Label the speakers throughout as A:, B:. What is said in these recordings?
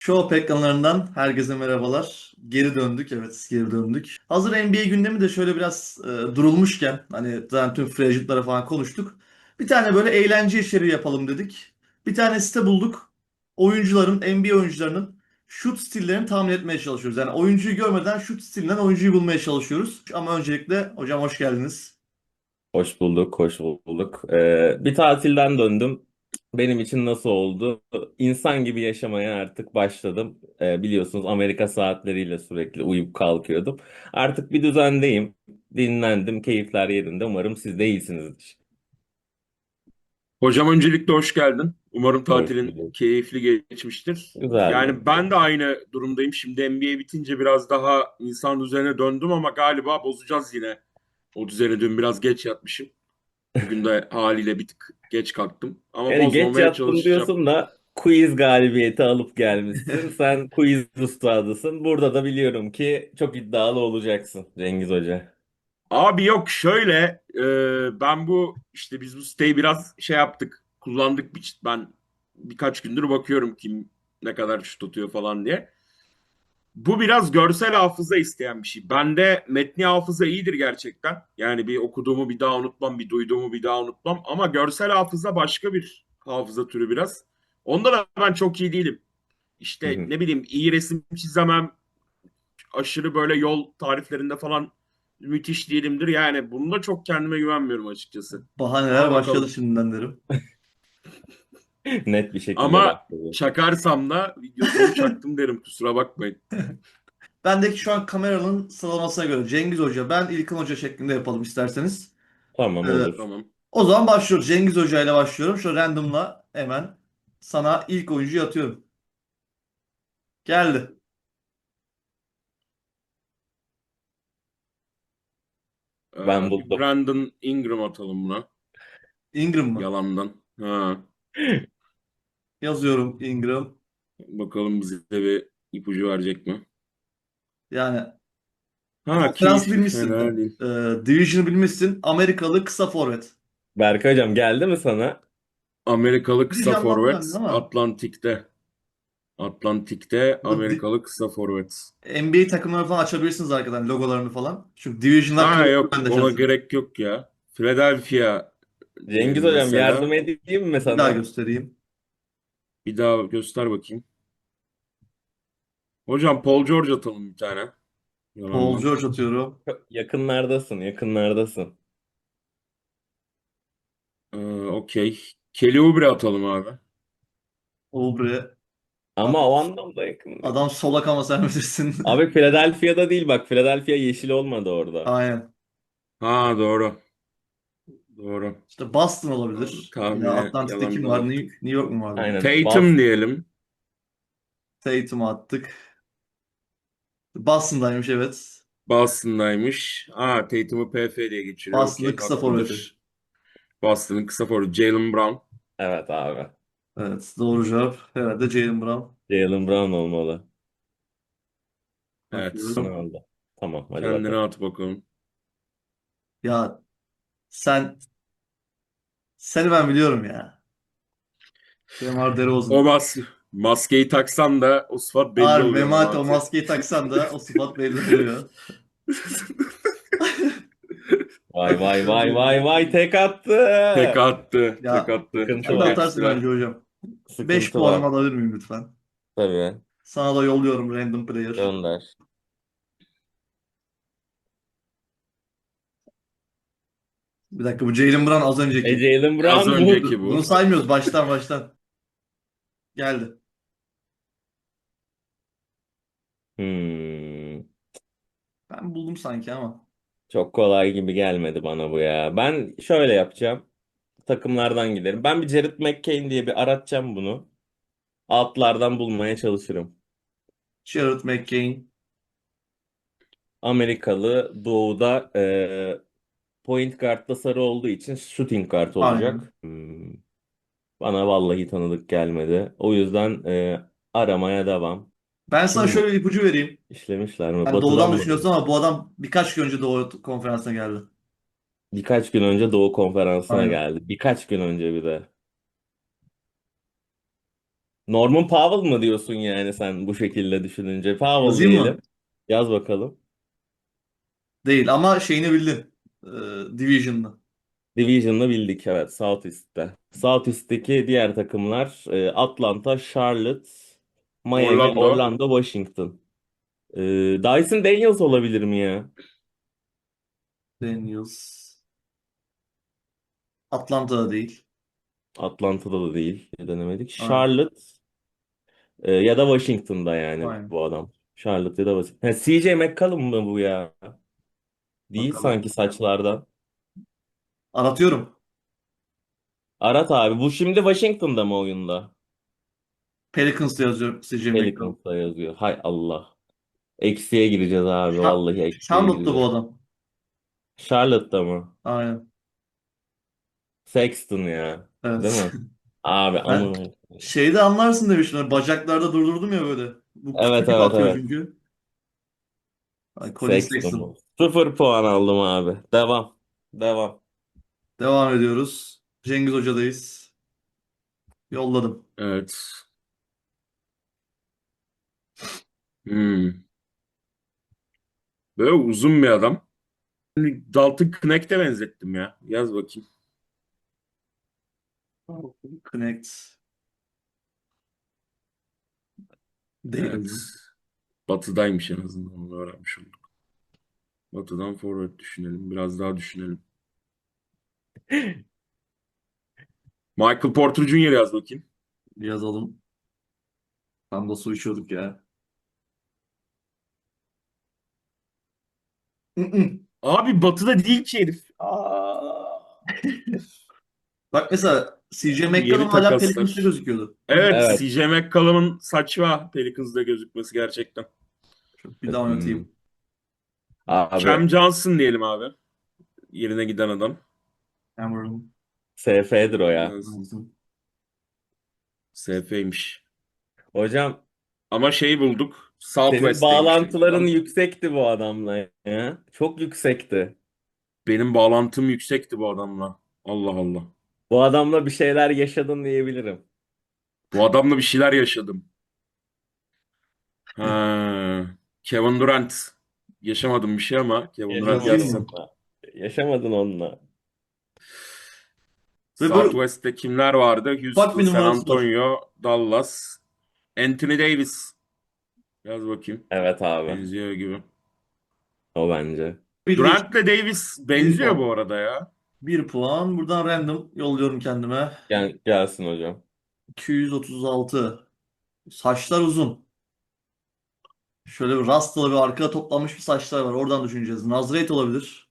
A: Show ekranlarından herkese merhabalar. Geri döndük, evet geri döndük. Hazır NBA gündemi de şöyle biraz durulmuşken, hani zaten tüm free agent'lara falan konuştuk. Bir tane böyle eğlence içeriği yapalım dedik. Bir tane site bulduk. NBA oyuncularının şut stillerini tahmin etmeye çalışıyoruz. Yani oyuncuyu görmeden şut stilinden oyuncuyu bulmaya çalışıyoruz. Ama öncelikle hocam hoş geldiniz.
B: Hoş bulduk, hoş bulduk. Bir tatilden döndüm. Benim için nasıl oldu? İnsan gibi yaşamaya artık başladım. Biliyorsunuz Amerika saatleriyle sürekli uyuyup kalkıyordum. Artık bir düzendeyim. Dinlendim, keyifler yerinde. Umarım siz de iyisinizdir.
C: Hocam öncelikle hoş geldin. Umarım
B: Hoş
C: tatilin
B: bulduk.
C: keyifli geçmiştir.
B: Güzeldi.
C: Yani ben de aynı durumdayım. Şimdi NBA bitince biraz daha insan düzenine döndüm ama galiba bozacağız yine. O düzene dün biraz geç yatmışım. Bugün de haliyle bir tık geç kalktım. Ama
B: Yani geç
C: bozmamaya
B: yattım
C: çalışacağım.
B: diyorsun da quiz galibiyeti alıp gelmişsin. Sen quiz ustadısın. Burada da biliyorum ki çok iddialı olacaksın Cengiz Hoca.
C: Abi yok şöyle ben bu işte biz bu siteyi biraz şey yaptık. Kullandık. Ben birkaç gündür bakıyorum kim ne kadar şut tutuyor falan diye. Bu biraz görsel hafıza isteyen bir şey. Bende metni hafıza iyidir gerçekten. Yani bir okuduğumu bir daha unutmam, bir duyduğumu bir daha unutmam. Ama görsel hafıza başka bir hafıza türü biraz. Onda da ben çok iyi değilim. İşte ne bileyim iyi resim çizemem, aşırı böyle yol tariflerinde falan müthiş değilimdir. Yani bunda çok kendime güvenmiyorum açıkçası. Ama
A: Bahaneler başladı
C: bakalım.
A: şimdiden derim.
B: Net bir şekilde
C: Ama
B: başladı.
C: çakarsam da videosunu çaktım derim kusura bakmayın.
A: Bendeki şu an kameranın sıralamasına göre Cengiz Hoca, ben İlkan Hoca şeklinde yapalım isterseniz.
B: Tamam
A: Ee,
B: olur.
C: Tamam.
A: O zaman başlıyoruz. Cengiz Hoca ile başlıyorum. Şu random'la hemen sana ilk oyuncuyu atıyorum. Geldi.
B: Ben
C: Bir
B: buldum.
C: Brandon Ingram atalım buna.
A: Ingram mı?
C: Yalandan. Ha.
A: Yazıyorum Ingram.
C: Bakalım bize bir ipucu verecek mi?
A: Yani
C: Ha
A: konferansı
C: keyifli
A: bilmişsin.
C: fena değil.
A: Division'ı bilmişsin. Amerikalı kısa forvet.
B: Berkay hocam geldi mi sana?
C: Amerikalı
A: Bir
C: kısa
A: canlandı bende
C: forvet
A: ama
C: Atlantik'te. Atlantik'te
A: burada
C: Amerikalı kısa forvet.
A: NBA takımları falan açabilirsiniz arkadan logolarını falan. Çünkü Division'lar
C: Ha
A: karışıyor
C: yok
A: bende
C: ona
A: şahsen.
C: gerek yok ya. Philadelphia
B: Cengiz
C: diyelim
B: hocam yardım
C: mesela.
B: edeyim mi
A: Bir daha
B: sana?
A: göstereyim.
C: Bir daha göster bakayım. Hocam Paul George atalım bir tane.
A: Paul
C: Yalandan.
A: George atıyorum.
B: Yakınlardasın, yakınlardasın.
C: Okey. Kelly Oubre atalım abi.
A: Oubre.
B: Ama o anlamda yakın değil.
A: Adam solak ama sen bilirsin.
B: Abi Philadelphia'da değil bak. Philadelphia yeşil olmadı orada.
A: Aynen.
C: Ha doğru. Doğru.
A: İşte Boston olabilir. Ya
C: Tahmini
A: Atlantik'te kim
C: yalandan
A: var? New
C: attık.
A: York mu vardı?
B: Aynen.
C: Tatum diyelim.
A: Tatum'u attık. Boston'daymış evet.
C: Boston'daymış. Ha Tatum'u PF diye geçiriyor.
A: Boston'ın
C: Okey
A: kısa forveti.
C: haklıdır. Boston'ın kısa forward Jaylen Brown.
B: Evet abi.
A: Evet doğru cevap. Herhalde Jaylen Brown.
B: Jaylen Brown olmalı.
C: Evet.
B: Ne
A: Bakıyorum.
B: oldu? Tamam hadi
C: Kendine
B: bakalım.
C: at bakalım.
A: Ya sen seni ben biliyorum ya. DeMar
C: O
A: DeRozan.
C: maskeyi taksan da o sıfat belli
A: Harbi
C: oluyor
A: Memati o
C: Memati.
A: maskeyi taksan da o sıfat belli oluyor.
B: Vay vay vay vay vay tek attı.
C: Tek attı. Tek
A: Ya
C: attı.
B: Sıkıntı
A: sen de
C: Çok
B: var.
A: atarsın
C: geçtiler.
A: bence hocam. 5
B: Sıkıntı
A: puanımı
B: var.
A: alabilir miyim lütfen?
B: Tabii.
A: Sana da yolluyorum random player.
B: Gönder.
A: Bir dakika bu Jaylen Brown az önceki.
B: Jaylen
C: Az
B: Brown bu.
C: önceki
A: Bunu
C: bu.
A: saymıyoruz baştan baştan. Geldi.
B: Hmm.
A: Ben buldum sanki ama.
B: Çok kolay gibi gelmedi bana bu ya. Ben şöyle yapacağım. Takımlardan giderim. Ben bir Jared McCain diye bir aratacağım bunu. Altlardan bulmaya çalışırım.
A: Jared McCain.
B: Amerikalı doğuda point guard'da sarı olduğu için shooting guard
A: Aynen.
B: olacak. Bana vallahi tanıdık gelmedi. O yüzden aramaya devam.
A: Ben sana
B: Kim bu?
A: şöyle bir ipucu vereyim.
B: İşlemişler mi?
A: Hani doğudan
B: Batı'dan mı?
A: düşünüyorsun ama bu adam birkaç gün önce Doğu konferansına geldi.
B: Birkaç gün önce Doğu Konferansı'na
A: Aynen.
B: geldi. Birkaç gün önce bir de. Norman Powell mı diyorsun yani sen bu şekilde düşününce? Powell
A: Yazayım
B: diyelim.
A: mı?
B: Yaz bakalım.
A: Değil ama şeyini bildin. Division'lı.
B: Division'ı bildik, evet, Southeast'te. Southeast'teki diğer takımlar Atlanta, Charlotte, Miami,
C: Orlando.
B: Orlando, Washington. Dyson Daniels olabilir mi ya?
A: Daniels. Atlanta'da değil.
B: Atlanta'da da değil. Denemedik.
A: Aynen.
B: Charlotte ya da Washington'da yani
A: Aynen.
B: bu adam. Charlotte ya da Washington. Ha, CJ McCollum mı bu ya? Değil
A: Bakalım.
B: sanki saçlardan.
A: Aratıyorum.
B: Arat abi. Bu şimdi Washington'da mı oyunda?
A: Pelicans'ta yazıyorum CJ McCollum.
B: Pelicans'ta yazıyor. Hay Allah. Eksiye gireceğiz abi. Vallahi eksiye
A: Charlotte'da bu
B: gireceğiz.
A: adam.
B: Charlotte'da mı?
A: Aynen.
B: Sexton ya. Değil
A: Evet.
B: mi? Abi
A: Ben
B: amına.
A: şeyde anlarsın demiştim. Hani bacaklarda durdurdum ya böyle. Bu küçük
B: Evet,
A: gibi
B: evet,
A: atıyor
B: evet.
A: çünkü. Ay, Colin
B: Sexton
A: Sexton.
B: mu? 0 puan aldım abi. Devam. Devam.
A: Devam ediyoruz. Cengiz Hoca'dayız. Yolladım.
C: Evet. Hmm. Böyle uzun bir adam. Dalton Knecht'e benzettim ya. Yaz bakayım.
A: Connect. Değil
C: Evet.
A: hocam.
C: Batı'daymış en azından. Onu öğrenmiş olduk. Batı'dan forvet düşünelim. Biraz daha düşünelim. Michael Porter Jr. yaz bakayım.
A: Yazalım. Tam da su içiyorduk ya. Mm-mm.
C: Abi Batı'da değil ki herif. Aa.
A: Bak mesela CJ
C: Abi
A: McCollum
C: yeni
A: hala Pelicans'ta
C: takaslar.
A: gözüküyordu.
C: Evet,
B: Evet.
C: CJ McCollum'un saçma Pelicans'da gözükmesi gerçekten.
A: Bir daha
B: Hmm.
A: oynatayım.
B: Abi
C: Cam Johnson diyelim abi. Yerine giden adam.
A: Cameron
B: SF'dir o ya.
A: Johnson.
C: SF'ymiş.
B: Hocam
C: Ama şeyi bulduk.
B: senin
C: Southwest'teymiş demiş
B: bağlantıların
C: adam.
B: yüksekti bu adamla ya. Çok yüksekti.
C: Benim bağlantım yüksekti bu adamla. Allah Allah.
B: Bu adamla bir şeyler yaşadın diyebilirim.
C: Bu adamla bir şeyler yaşadım. Ha, Kevin Durant. Yaşamadım bir şey ama Kevin Durant
A: Yazayım
B: Yaşamadın
C: yazsam.
A: mı?
B: onunla. Yaşamadın onunla.
A: Ve böyle
C: Southwest'te kimler vardı?
A: ufak
C: Houston,
A: bir
C: San
A: numarası var.
C: Antonio, Dallas. Anthony Davis. Yaz bakayım.
B: Evet abi.
C: Benziyor gibi.
B: O bence.
A: Bildik.
C: Durant'le Davis
A: Bir
C: benziyor
A: puan.
C: bu arada ya.
A: Bir puan. Buradan random yolluyorum kendime.
B: Gelsin hocam.
A: 236. Saçlar uzun. Şöyle bir rastalı bir arkada toplanmış bir saçlar var. Oradan düşüneceğiz. Nazrate olabilir.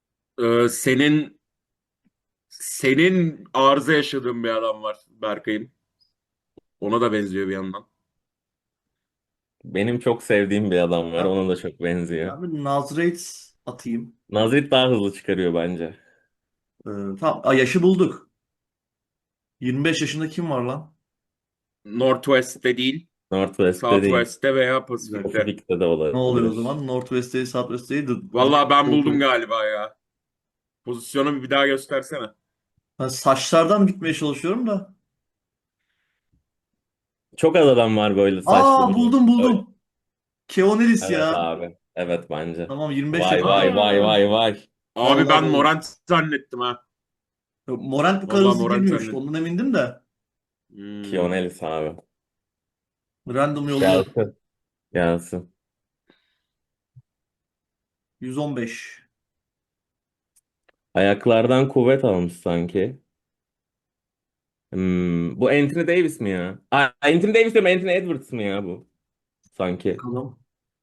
C: Senin arıza yaşadığın bir adam var Berkay'ın. Ona da benziyor bir yandan.
B: Benim çok sevdiğim bir adam var.
A: Ben,
B: Ona da çok benziyor.
A: ben bir Nazrate atayım.
B: Nazrit daha hızlı çıkarıyor bence.
A: Tamam. Yaşı bulduk. 25 yaşında kim var lan?
C: Northwest'te değil,
B: Northwest'te değil.
C: Southwest'te veya
A: Güzel.
C: Pasifik'te.
B: Pacific'te de
A: Ne oluyor o
B: olabilir.
A: zaman? Northwest Southwest
C: Vallahi ben buldum
A: Doğu.
C: galiba ya. Pozisyonu bir daha göstersene.
A: Ben saçlardan gitmeye çalışıyorum da.
B: Çok az adam var böyle saçlı
A: Aa,
B: benim.
A: buldum
B: Öyle.
A: buldum. Keonelis
B: Evet
A: ya.
B: abi. Evet bence.
A: Tamam, 25
B: Vay
A: yaşında.
B: vay vay
C: Aa,
B: vay vay.
C: abi
A: Vallahi
C: ben
A: buldum.
C: Morant zannettim ha.
A: Morant bu kadar
C: Vallahi
A: hızlı
C: Morant
A: girmiyormuş.
C: zannettim.
A: Ondan emindim de.
C: Hmm.
B: Kionelis abi.
A: Random yolluyorum.
B: Gelsin. Gelsin.
A: 115.
B: Ayaklardan kuvvet almış sanki. Bu Anthony Davis mi ya? Anthony Davis diyorum, Anthony Edwards mı ya bu? Sanki.
A: Bakalım.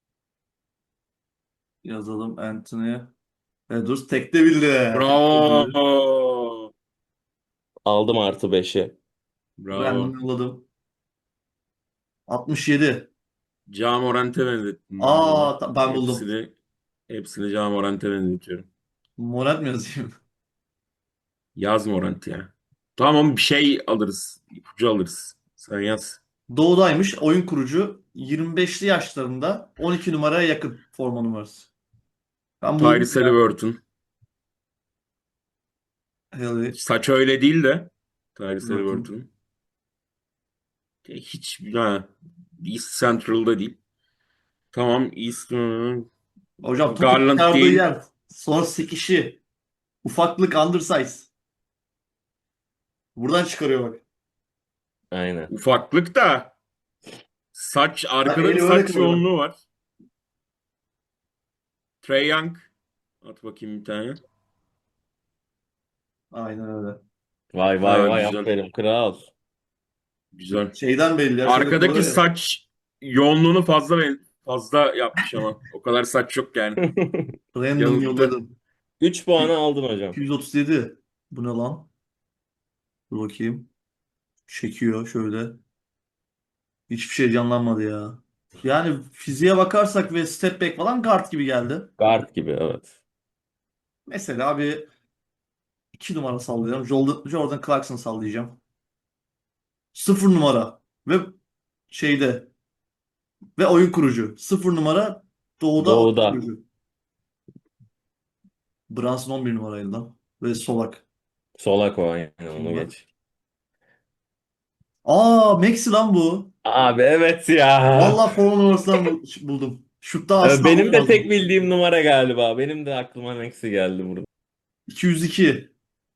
A: Yazalım Anthony. Edwards tek de bildi. Tek de bildi.
C: Bravo.
B: Aldım +5'i.
A: Random
C: Bravo.
A: yolladım. 67.
C: Ja Morant'e benzettim ben bunu.
A: Ben buldum.
C: Hepsini Ja Morant'e benzetiyorum.
A: Morant mı yazayım?
C: Yaz Morant ya. Tamam bir şey alırız. İpucu alırız. Sen yaz.
A: Doğudaymış. Oyun kurucu. 25'li yaşlarında. 12 numaraya yakın forma numarası. Ben buldum
C: Tyrese
A: ya.
C: Haliburton.
A: Haley
C: Saç öyle değil de. Tyrese
A: Burton.
C: Haliburton. Hiç East Central'da değil. Tamam East
A: Hocam topu
C: Garland
A: çıkardığı
C: değil.
A: yer. Son sekişi. Ufaklık undersize. Buradan çıkarıyor bak.
B: Aynen.
C: Ufaklık da saç
A: Bak
C: arkada bir
A: eli böyle
C: saç
A: kalıyor bak.
C: yoğunluğu var. Trae Young at bakayım bir tane.
A: Aynen öyle.
B: Vay vay
C: Ha,
B: vay,
C: güzel.
B: aferin kral.
C: Güzel.
A: Şeyden belli ya. Şöyle
C: Arkadaki
A: kalıyor ya.
C: saç yoğunluğunu fazla yapmış ama. O kadar saç yok yani.
A: Random
C: Yanılttı.
A: yolladım.
B: 3 puanı aldın hocam.
A: 237. Bu ne lan? Dur bakayım. Çekiyor şöyle. Hiçbir şey canlanmadı ya. Yani fiziğe bakarsak ve step back falan guard gibi geldi.
B: Guard gibi, evet.
A: Mesela bir 2 numara sallayacağım. Jordan Clarkson sallayacağım. 0 numara. Ve şeyde ve oyun kurucu. 0 numara doğuda oyun
B: Doğuda.
A: kurucu. Brunson 11 numaraydı lan. Ve solak.
B: Solak o, aynen,
A: Kim
B: onu
A: var?
B: geç.
A: Aa, Maxi lan bu.
B: Abi evet ya.
A: Vallahi forma numarasından buldum. Şutta asla
B: Benim de tek
A: olmazdı.
B: bildiğim numara galiba. Benim de aklıma Maxi geldi burada.
A: 202.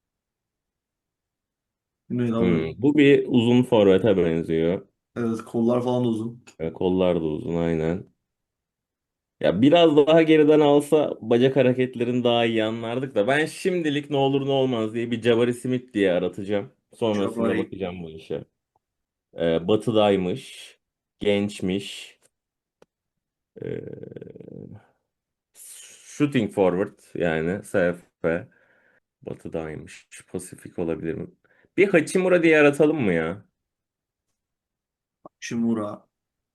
A: Ne lan bu?
B: Bu bir uzun forvete benziyor.
A: Evet, kollar falan da uzun.
B: Kollar da uzun, aynen. Ya biraz daha geriden alsa bacak hareketlerini daha iyi anlardık da ben şimdilik ne olur ne olmaz diye bir Jabari Smith diye aratacağım. Sonrasında
A: Jabari.
B: bakacağım bu işe. Batı'daymış. Gençmiş. Ee, Shooting forward, yani SF. Batı'daymış. Pasifik olabilir mi? Bir Hachimura diye aratalım mı ya?
A: Shimura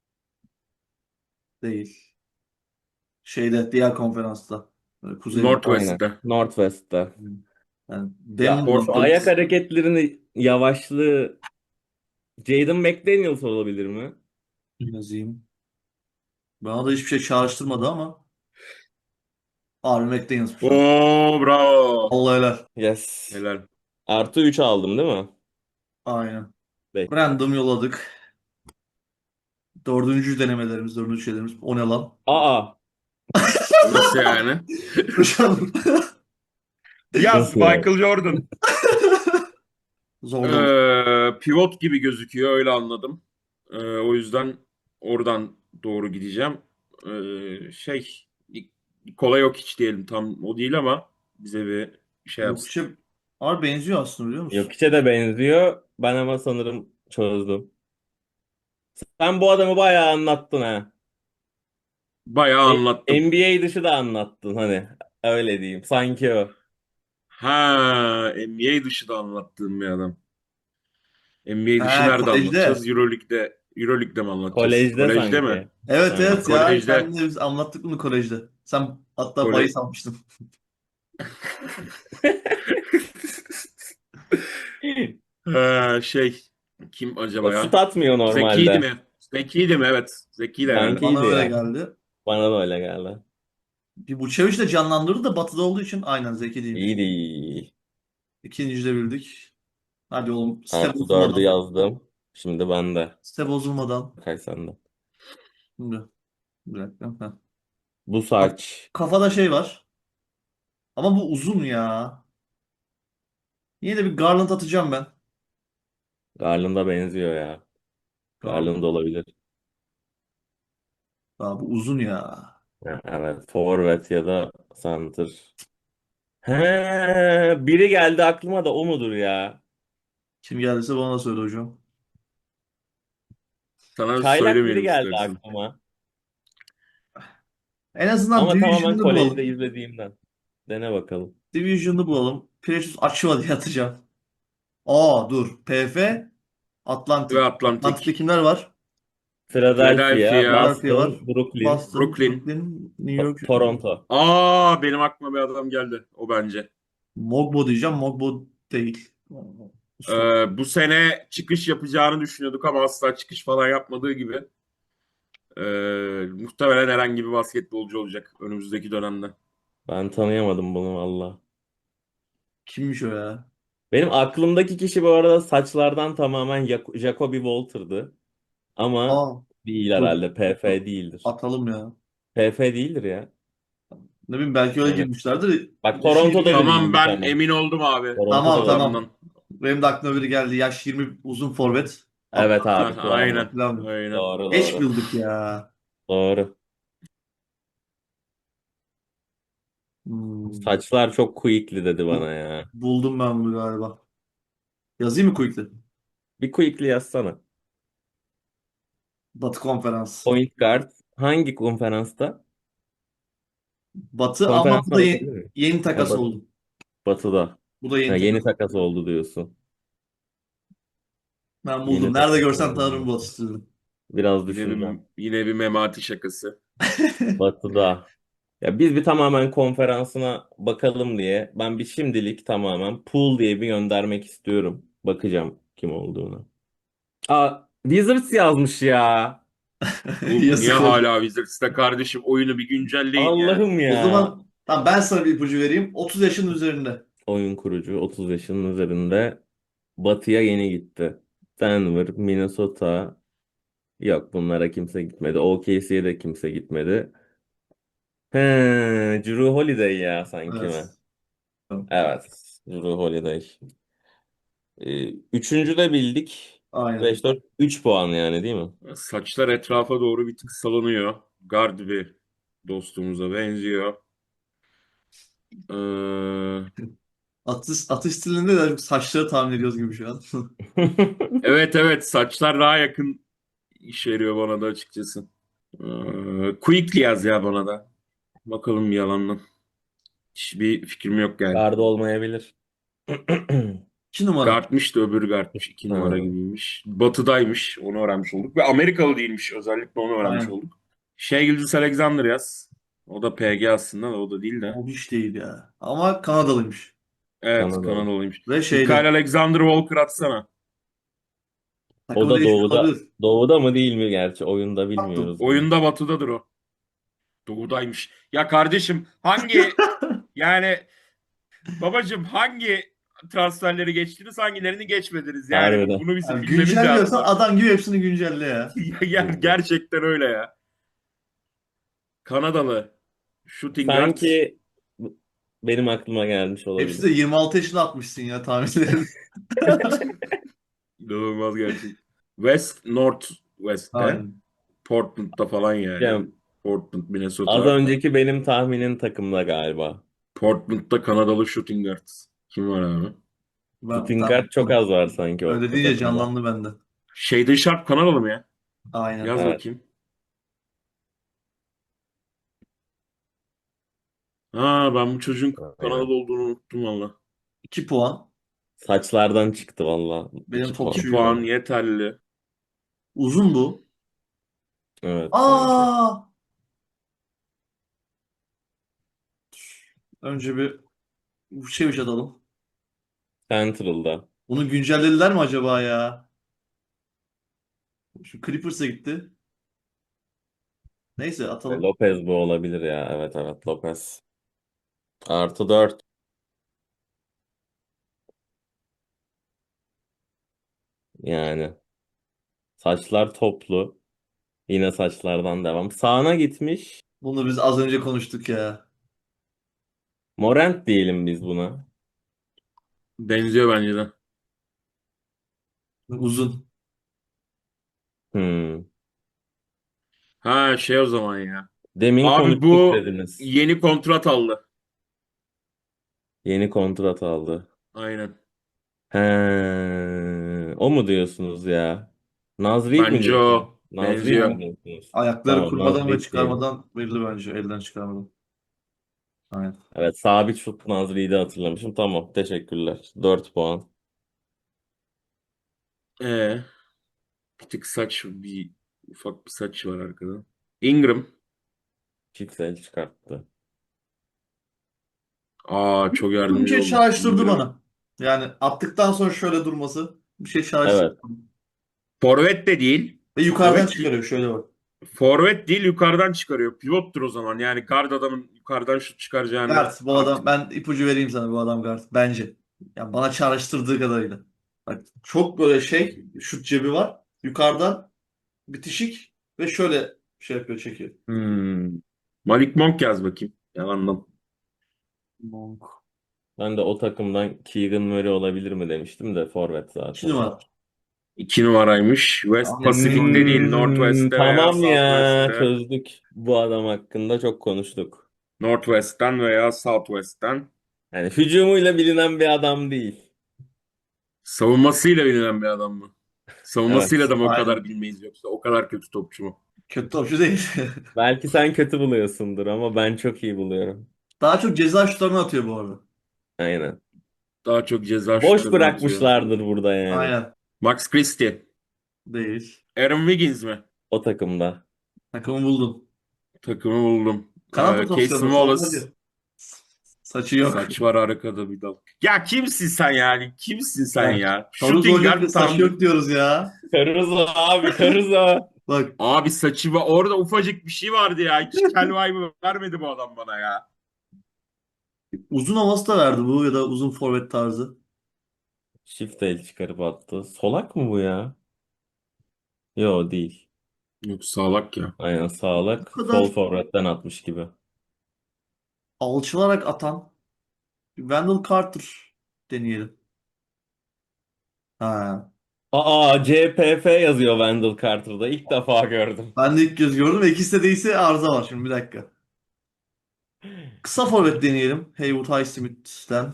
A: değil. Şeyde diğer konferansta. Kuzeyde.
B: Aynen.
C: Northwest'te.
B: Northwest'ta.
A: Yani
B: Ya
A: Denver
B: şu ayak
A: Nuggets
B: hareketlerini, yavaşlığı Jaden McDaniels olabilir mi?
A: yazayım. Bana da hiçbir şey çağrıştırmadı ama Harvey McDaniels'mış lan.
C: Oo, bravo.
A: Allah helal.
B: Yes.
C: Helal.
B: Artı 3 aldım değil mi?
A: Aynen.
B: Bekle.
A: Random yolladık. Dördüncü denemelerimiz, dördüncü şeylerimiz. O ne lan?
B: Aa,
C: Nasıl yani?
A: Hocam.
C: Yaz
B: nasıl yani?
C: Michael Jordan.
A: Zor da olur.
C: Pivot gibi gözüküyor öyle anladım. O yüzden oradan doğru gideceğim. Şey kolay yok hiç diyelim tam o değil ama bize bir şey
A: Yok
C: yapsın.
A: işte abi benziyor aslında biliyor musun?
B: Jokic'e de benziyor. Ben ama sanırım çözdüm. Sen bu adamı bayağı anlattın ha.
C: Bayağı anlattım.
B: NBA dışı da anlattın hani. Öyle diyeyim. Sanki o.
C: Ha, NBA dışı da anlattığım bir adam. NBA dışı
A: Ha,
C: nerede
A: kolejde.
C: anlatacağız? Euroleague'de mi anlatacağız?
B: Kolejde
C: Kolejde mi?
B: sanki.
A: Evet
B: Aynen.
A: evet ya
C: Kolejde.
A: senle biz anlattık bunu kolejde. Sen hatta
C: Kole...
A: bahis almıştın.
C: Şey kim acaba
B: Şut
C: ya?
B: atmıyor
C: Zeki'ydi
B: normalde.
C: mi? Zeki'ydi mi? Evet. Zeki'ydi herhalde.
A: Bana
B: Sankiydi
A: öyle
B: ya.
A: geldi.
B: Bana da öyle geldi.
A: Bir Vucevic de canlandırdı da batıda olduğu için aynen Zeki değilmiş.
B: İyiydi. İyi.
A: İkinci de bildik. Hadi oğlum step
B: Artı 4'ü
A: bozulmadan.
B: yazdım. Şimdi ben de.
A: Step bozulmadan.
B: Kaç sende?
A: Şimdi bir dakika. Heh.
B: Bu
A: Kaf-
B: saç.
A: Kafada şey var. Ama bu uzun ya. Yine de bir Garland atacağım ben.
B: Garland'a benziyor ya.
A: Garland.
B: Garland olabilir.
A: Aa, bu uzun ya.
B: Ha, evet. Forvet ya da center. He, biri geldi aklıma da, o mudur ya?
A: Kim geldiyse bana da söyle hocam.
C: Sana
B: Çaylak biri
C: söylemeyelim
B: geldi
C: istersen.
B: aklıma.
A: En azından
B: Ama tamamen
A: Division'ını
B: kolejde
A: bulalım.
B: izlediğimden. Dene bakalım.
A: Division'ını bulalım. Precious Achiuwa diye atacağım. Aa dur. PF
C: Ve
A: Atlantic. Atlantic'te
C: Atlantik.
A: kimler var?
B: Philadelphia,
C: Philadelphia,
A: Philadelphia var.
B: Boston, Brooklyn,
A: Boston,
C: Brooklyn.
A: Brooklyn, New York.
B: Toronto.
C: Benim aklıma bir adam geldi. O bence.
A: Mogbo diyeceğim. Mogbo değil. Sol.
C: Bu sene çıkış yapacağını düşünüyorduk ama asla çıkış falan yapmadığı gibi. Muhtemelen herhangi bir basketbolcu olacak önümüzdeki dönemde.
B: Ben tanıyamadım bunu valla.
A: Kimmiş o ya?
B: Benim aklımdaki kişi bu arada saçlardan tamamen Jacoby Walter'dı. Ama
A: Aa,
B: değil
A: dur.
B: herhalde. PF değildir.
A: Atalım ya.
B: PF değildir ya.
A: Ne bileyim belki öyle
B: Evet.
A: girmişlerdir.
B: Bak
A: Yaşı
B: Toronto'da
A: 20.
B: da
C: Tamam,
B: değilmiş
C: ben
B: ama.
C: emin oldum abi
A: Tamam
B: Toronto'da da değil.
A: tamam.
C: adamdan.
A: Benim de aklıma biri geldi. Yaş 20 uzun forvet.
B: Evet
C: Heh,
B: abi
C: aynen.
B: Kıvamı.
A: Hatırlamıyorum.
C: Aynen.
B: Doğru
A: Geç
B: doğru.
A: bildik ya.
B: Doğru.
A: Hmm.
B: Saçlar çok quickly dedi bana
A: Bu,
B: ya.
A: buldum ben bunu galiba. Yazayım mı quickly?
B: Bir quickly yazsana.
A: Batı konferans.
B: Point guard hangi konferansta?
A: Batı ama bu
B: Konferansına
A: da
B: bakabilir miyim?
A: yeni
B: Ha,
A: takas oldu.
B: Batı'da.
A: Bu da
B: Ha,
A: yeni
B: yeni
A: takas
B: takas
A: oldu.
B: oldu diyorsun.
A: Ben
B: Yeni
A: buldum. Nerede
B: takas
A: görsem tanırım
B: oldu.
A: bu atıştırdım.
B: Biraz
C: Yine
B: düşüneceğim.
C: bir Memati şakası.
B: Batı'da. Ya biz bir tamamen konferansına bakalım diye ben bir şimdilik tamamen pool diye bir göndermek istiyorum. Bakacağım kim olduğunu. Aa, Wizards yazmış ya.
C: Oğlum niye
A: Yazık oldu.
C: hala Wizards'ta kardeşim, oyunu bir güncelleyin ya.
B: Allah'ım
A: O
B: ya.
A: zaman tamam ben sana bir ipucu vereyim. 30 yaşın üzerinde.
B: Oyun kurucu 30 yaşının üzerinde Batı'ya yeni gitti. Denver, Minnesota. Yok bunlara kimse gitmedi. OKC'ye de kimse gitmedi. He, Drew Holiday ya sanki mi?
A: Evet. Tamam.
B: Evet. Drew Holiday. Üçüncü de bildik.
A: Aynen.
B: 5-4 3 puan yani değil mi?
C: Saçlar etrafa doğru bir tık salınıyor. Gard bir dostumuza benziyor. Ee,
A: Atış stilinde de saçları tahmin ediyoruz gibi şu an.
C: evet evet, saçlar daha yakın işe yarıyor bana da açıkçası. Quickly yaz ya bana da. Bakalım, yalandan. Hiçbir fikrim yok yani.
B: Garda olmayabilir.
A: 2 numara.
C: Guard'mış da öbürü guard'mış. 2 numara
B: Ha,
C: gibiymiş. Batı'daymış. Onu öğrenmiş olduk. Ve Amerikalı değilmiş. Özellikle onu öğrenmiş
A: Aynen.
C: olduk. Shai Gilgeous-Alexander yaz. O da PG aslında da, o da değil de.
A: O hiç değil ya. Ama Kanadalıymış.
C: Evet,
B: Kanadalı.
C: Kanadalıymış.
A: Ve
C: Mikael
A: şeyde.
C: Alexander Walker atsana.
B: O
A: Takımı
B: da
A: değişmiş
B: doğuda.
A: olabilir.
B: Doğuda mı değil mi gerçi? Oyunda
A: Baktım.
B: bilmiyoruz bunu.
C: Oyunda Batı'dadır o. Doğudaymış. Ya kardeşim, hangi, yani babacım, hangi transferleri geçtiniz, hangilerini geçmediniz? Yani
B: Harbiden.
C: bunu bizim
A: Yani
C: bilmemiz
A: güncelliyorsan
C: lazım.
A: adam gibi hepsini güncelle ya.
C: Gerçekten öyle ya. Kanadalı. Shooting guard.
B: Sanki benim aklıma gelmiş
A: Hepsi de
B: olabilir.
A: 26 yaşında atmışsın ya tahminlerin.
C: İnanılmaz gerçek. West, North West'te.
A: Aynen.
C: Portland'da falan yani.
B: Yani
C: Portland,
B: az
C: Minnesota.
B: önceki benim tahminin takımda galiba.
C: Portland'da Kanadalı shooting guard. Kim var abi?
A: Ben
B: Shooting guard çok
A: tamam.
B: az var sanki
A: Öyle
B: o
A: deyince
B: takımda.
A: canlandı bende.
C: Shaden Sharp Kanadalı mı ya?
A: Aynen.
C: Yaz
B: Evet.
C: bakayım. Ha, ben bu çocuğun
B: Aynen.
C: Kanadalı olduğunu unuttum valla.
A: 2 puan.
B: Saçlardan çıktı valla.
A: Benim
B: 2 puan.
C: 2
A: topçuyu
C: puan
A: var.
C: yeterli.
A: Uzun bu.
B: Evet sanki.
A: Aa! Önce bir şeymiş atalım.
B: Central'da.
A: Bunu güncellediler mi acaba ya? Şu Clippers'a gitti. Neyse atalım.
B: Lopez bu olabilir ya. Evet evet Lopez. +4. Yani. Saçlar toplu. Yine saçlardan devam. Sağına gitmiş.
A: Bunu biz az önce konuştuk ya.
B: Morant diyelim biz buna.
C: Benziyor bence de.
A: Uzun.
B: Hmm.
C: Ha, şey o zaman ya.
B: Demin
C: Abi
B: konuştuk
C: bu
B: dediniz.
C: yeni kontrat aldı.
B: Yeni kontrat aldı.
C: Aynen.
B: He, o mu diyorsunuz ya? Nazrid mi
C: Bence
B: diyorsunuz?
C: o.
B: Nazrid
C: Benziyor.
B: mi diyorsunuz?
A: Ayakları
B: Tamam
A: kurmadan ve
B: Nazrid diyelim.
A: çıkarmadan belli bence. Elden çıkarmadan. Aynen.
B: Evet sabit şut Nazrid'i hatırlamışım. Tamam teşekkürler. 4 puan.
C: Ee, bir tık saç, bir ufak bir saç var arkada. Ingram.
B: Çift çıkarttı.
C: Aa, çok
A: Bir
C: yardımcı
A: şey
C: oldu
A: çağrıştırdı
C: Ingram.
A: bana. Yani attıktan sonra şöyle durması bir şey çağrıştırdı.
B: Evet.
C: Forvet de değil.
A: Ve yukarıdan
C: Evet.
A: çıkarıyor şöyle bak.
C: Forvet değil, yukarıdan çıkarıyor. Pivottur o zaman. Yani guard adamın yukarıdan şut çıkaracağını
A: Guard bu adam
C: artık.
A: ben ipucu vereyim sana bu adam guard bence. Yani bana çağrıştırdığı kadarıyla. Bak çok böyle şey şut cebi var. Yukarıdan bitişik ve şöyle şey yapıyor, çekiyor.
C: Malik Monk yaz bakayım. Yalandan.
A: Monk.
B: Ben de o takımdan Keegan Murray olabilir mi demiştim de forvet
A: 2
B: zaten.
A: numara.
C: 2 numaraymış. West
A: Aynen.
C: Pasifik'te değil. Northwest'te veya
B: Tamam ya,
C: Southwest'te.
B: çözdük. Bu adam hakkında çok konuştuk.
C: Northwest'ten veya Southwest'ten.
B: Yani hücumuyla bilinen bir adam değil.
C: Savunmasıyla bilinen bir adam mı? Savunmasıyla
B: Evet.
C: da mı o kadar
A: Aynen.
C: bilmeyiz yoksa o kadar kötü topçu mu?
A: Kötü topçu değil.
B: Belki sen kötü buluyorsundur ama ben çok iyi buluyorum.
A: Daha çok ceza şutlarını atıyor bu arada.
B: Aynen.
C: Daha çok ceza
B: Boş
C: şutlarını atıyor.
B: bırakmışlardır burada yani.
A: Aynen.
C: Max Christie.
A: Değil.
C: Aaron Wiggins mi?
B: O takımda.
A: Takımı buldum.
C: Takımı buldum.
A: Kanat
C: Casey
A: rotasyonu. Savunma
C: Wallace.
A: diyor. Saçı yok.
C: Saç var arkada bir dal. Ya kimsin sen yani? Kimsin sen
A: Ya,
C: ya?
A: Caruso
C: Shooting
A: hocam
C: guard
A: da saçı
C: tam.
A: yok diyoruz ya.
B: Caruso abi, Caruso.
A: Bak,
C: Abi saçı var. Orada ufacık bir şey vardı ya. Hiç kel vibe'ı vermedi bu adam bana ya.
A: uzun havası da verdi bu, ya da uzun forvet tarzı.
B: Shift el çıkarıp attı. Solak mı bu ya? Yo değil.
C: Yok sağlak ya.
B: Aynen
A: Bu
B: sağlak. Sol
A: kadar
B: forvetten atmış gibi.
A: alçılarak atan Wendell Carter deneyelim. Ha.
B: CPF yazıyor Wendell Carter'da. İlk defa gördüm.
A: Ben de ilk göz gördüm ve ikisi de değilse arıza var şimdi, bir dakika. Kısa forvet deneyelim. Haywood Highsmith'ten.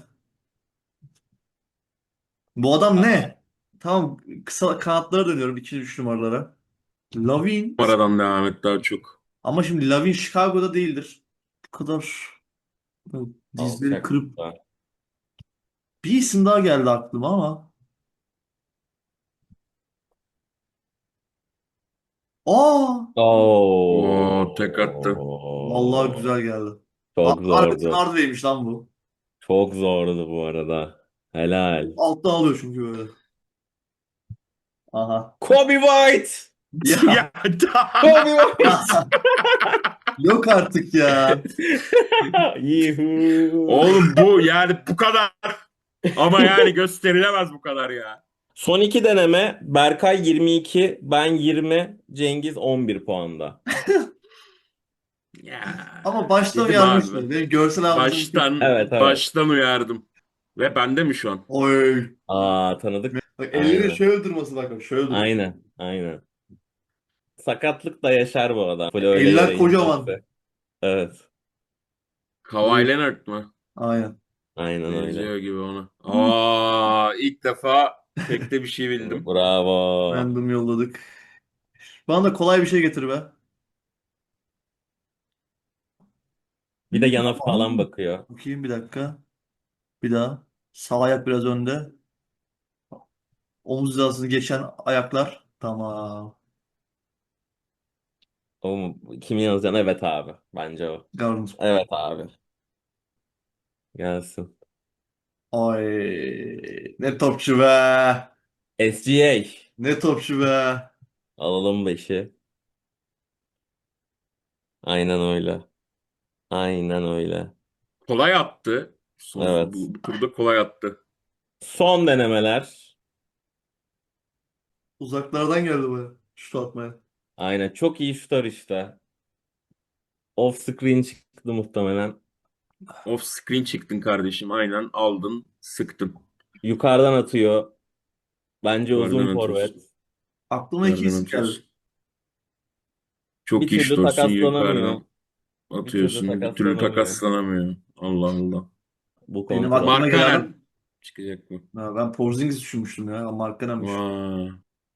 A: Bu adam
B: Aa,
A: ne? Tamam, kısa kanatlara dönüyorum, 2-3 numaralara. Lavin.
C: Aradan devam et daha çok.
A: Ama şimdi Lavin Chicago'da değildir. Bu kadar dizleri
B: alçak.
A: kırıp bir isim daha geldi aklıma ama. Aa!
C: Oo tek attı.
A: Vallahi
B: Oo.
A: güzel geldi.
B: Çok
A: Harbiden
B: zordu.
A: Hardaway'miş lan bu.
B: Çok zordu bu arada. Helal.
A: Altta alıyor çünkü böyle. Aha.
B: Kobe White.
A: Ya.
C: Ya
B: Kobe White.
A: Yok artık ya.
B: Yuhu.
C: Oğlum bu yani bu kadar. Ama yani gösterilemez bu kadar ya.
B: Son iki deneme Berkay 22, ben 20, Cengiz 11 puanda.
C: Ya
A: Ama baştan
C: dedim abi ben.
A: uyarmıştım. Benim görsel hafızam çok
C: Baştan
A: iyi.
B: Evet, evet.
C: baştan uyardım. Ve bende mi şu an?
A: Oy.
B: Tanıdık.
A: Bak, elleri
B: Aynen.
A: şöyle durması, bak şöyle dur.
B: Aynen. Aynen. Sakatlık da yaşar bu adam. Böyle öyle
A: Eller
B: yere
A: kocaman.
B: inmezse. Evet.
C: Kawhi
A: Buyur.
C: Leonard mı?
A: Aynen.
B: Aynen öyle.
C: Benziyor gibi ona. İlk defa tekte bir şey bildim.
B: Bravo.
A: Random yolladık. Bana da kolay bir şey getir be.
B: Bir de yana
A: Tamam.
B: falan bakıyor.
A: Bakayım bir dakika. Bir daha. Sağ ayak biraz önde. Omuz hizasını geçen ayaklar. Tamam.
B: Kimi yazacaksın? Evet abi. Bence o.
A: Garnet.
B: Evet abi. Gelsin.
A: Ay, ne topçu be.
B: SGA.
A: Ne topçu be.
B: Alalım beşi. Aynen öyle. Aynen öyle.
C: Kolay attı.
B: Evet.
C: Bu turda kolay attı.
B: Son denemeler.
A: Uzaklardan geldi bu. Şut atmaya.
B: Aynen. Çok iyi şutör işte. Off screen çıktı muhtemelen.
C: Off screen çıktın kardeşim. Aynen aldın, sıktın.
B: Yukarıdan atıyor. Bence uzun
C: Yukarıdan
B: forvet.
C: atıyorsun.
A: Aklıma iki
C: Yukarıdan
A: isim geldi.
C: atıyorsun.
B: Bir
C: Çok iyi
B: türlü
C: şutörsun.
B: takaslanamıyor.
C: Yukarıdan
B: Bir türlü
C: atıyorsun. Bir türlü
B: takaslanamıyor.
C: takaslanamıyor. Allah Allah.
B: Bu
A: Benim
B: kontrat.
A: aklıma gelen adam.
C: Markkanen çıkacak mı?
A: Ha, ben Porzingis düşünmüştüm ya. Ama Markkanen'miş.
C: Vay.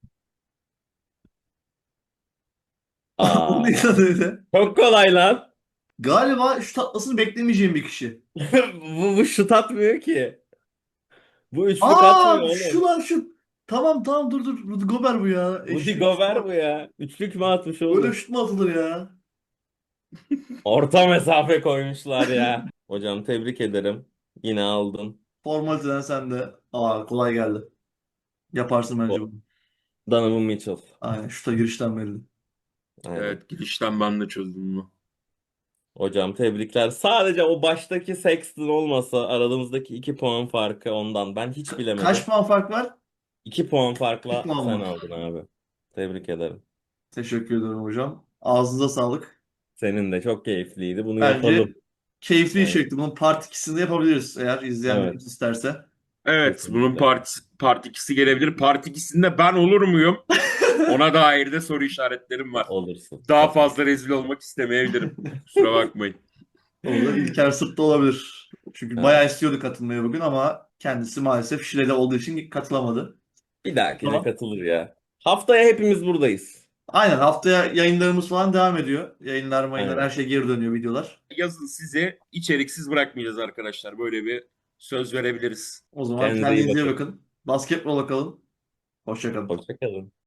A: O
B: Aa,
A: ne öyle?
B: çok kolay lan.
A: Galiba şut atmasını beklemeyeceğim bir kişi.
B: Bu şut atmıyor ki. Bu üçlük atmıyor
A: Aa, şu
B: oğlum.
A: lan şu. Tamam tamam, dur dur. Rudy Gobert bu ya.
B: Rudy
A: Eşek.
B: Gobert bu ya. Üçlük mü atmış
A: Böyle
B: oğlum?
A: şut mu atılır ya?
B: Orta mesafe koymuşlar ya. Hocam tebrik ederim. Yine aldın.
A: Formaliteden sen de. Aa, kolay geldi. Yaparsın bence bunu.
B: Donovan Mitchell.
A: Aynen, şuta girişten belli.
B: Aynen.
C: Evet girişten ben de çözdüm bunu.
B: Hocam tebrikler. Sadece o baştaki Sexton olmasa aramızdaki 2 puan farkı ondan. Ben hiç
A: Kaç
B: bilemedim.
A: puan fark var?
B: 2 puan
A: 2
B: farkla
A: puan
B: sen
A: var.
B: aldın abi. Tebrik ederim.
A: Teşekkür ederim hocam. Ağzınıza sağlık.
B: Senin de çok keyifliydi. Bunu
A: Bence
B: yapalım.
A: keyifli
B: Evet.
A: içerikti. Bunun part 2'sini yapabiliriz eğer izleyenlerimiz
B: Evet.
A: isterse.
C: Evet, bunun
B: Kesinlikle.
C: part 2'si gelebilir. Part 2'sinde ben olur muyum? Ona dair de soru işaretlerim var.
B: Olursun.
C: Daha
B: Tabii.
C: fazla rezil olmak istemeyebilirim. Kusura bakmayın.
A: Olur. İlker Sırt'ta olabilir. Çünkü bayağı
B: Evet.
A: istiyordu katılmayı bugün ama kendisi maalesef Şile'de olduğu için katılamadı.
B: Bir dahakine
A: Tamam.
B: katılır ya. Haftaya hepimiz buradayız.
A: Aynen haftaya yayınlarımız falan devam ediyor. Yayınlar her
B: Aynen.
A: şey geri dönüyor videolar.
C: Yazın sizi içeriksiz bırakmayacağız arkadaşlar. Böyle bir söz verebiliriz.
A: O zaman
B: Kendinize iyi
A: kendinize iyi
B: bakın.
A: bakın. Basketbola kalın. Hoşça kalın.
B: Hoşça kalın.